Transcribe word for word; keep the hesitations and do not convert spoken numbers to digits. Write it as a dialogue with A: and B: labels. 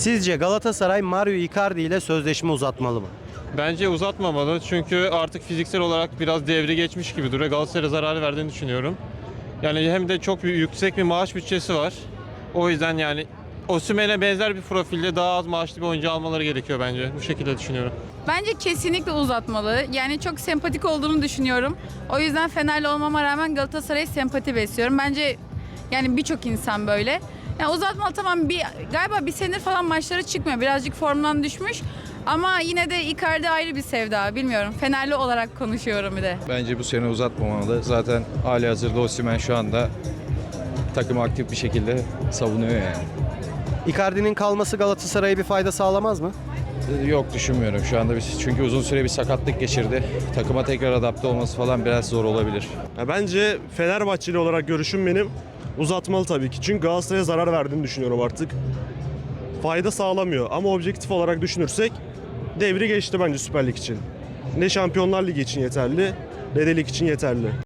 A: Sizce Galatasaray Mario Icardi ile sözleşme uzatmalı mı?
B: Bence uzatmamalı çünkü artık fiziksel olarak biraz devri geçmiş gibi duruyor. Galatasaray'a zarar verdiğini düşünüyorum. Yani hem de çok bir, yüksek bir maaş bütçesi var. O yüzden yani Osimhen'e benzer bir profilde daha az maaşlı bir oyuncu almaları gerekiyor bence. Bu şekilde düşünüyorum.
C: Bence kesinlikle uzatmalı. Yani çok sempatik olduğunu düşünüyorum. O yüzden Fenerli olmama rağmen Galatasaray'a sempati besliyorum. Bence yani birçok insan böyle. Yani uzatmalı, tamam, bir galiba bir senedir falan maçları çıkmıyor. Birazcık formdan düşmüş. Ama yine de Icardi ayrı bir sevda. Bilmiyorum. Fenerli olarak konuşuyorum bir de.
D: Bence bu sene uzatmamalı. Zaten halihazırda Osimhen şu anda takımı aktif bir şekilde savunuyor yani.
A: Icardi'nin kalması Galatasaray'a bir fayda sağlamaz mı?
D: Yok, düşünmüyorum şu anda biz. Çünkü uzun süre bir sakatlık geçirdi. Takıma tekrar adapte olması falan biraz zor olabilir.
E: Ya bence Fenerbahçeli olarak görüşüm benim uzatmalı tabii ki. Çünkü Galatasaray'a zarar verdiğini düşünüyorum artık. Fayda sağlamıyor ama objektif olarak düşünürsek devri geçti bence Süper Lig için. Ne Şampiyonlar Ligi için yeterli ne de lig için yeterli.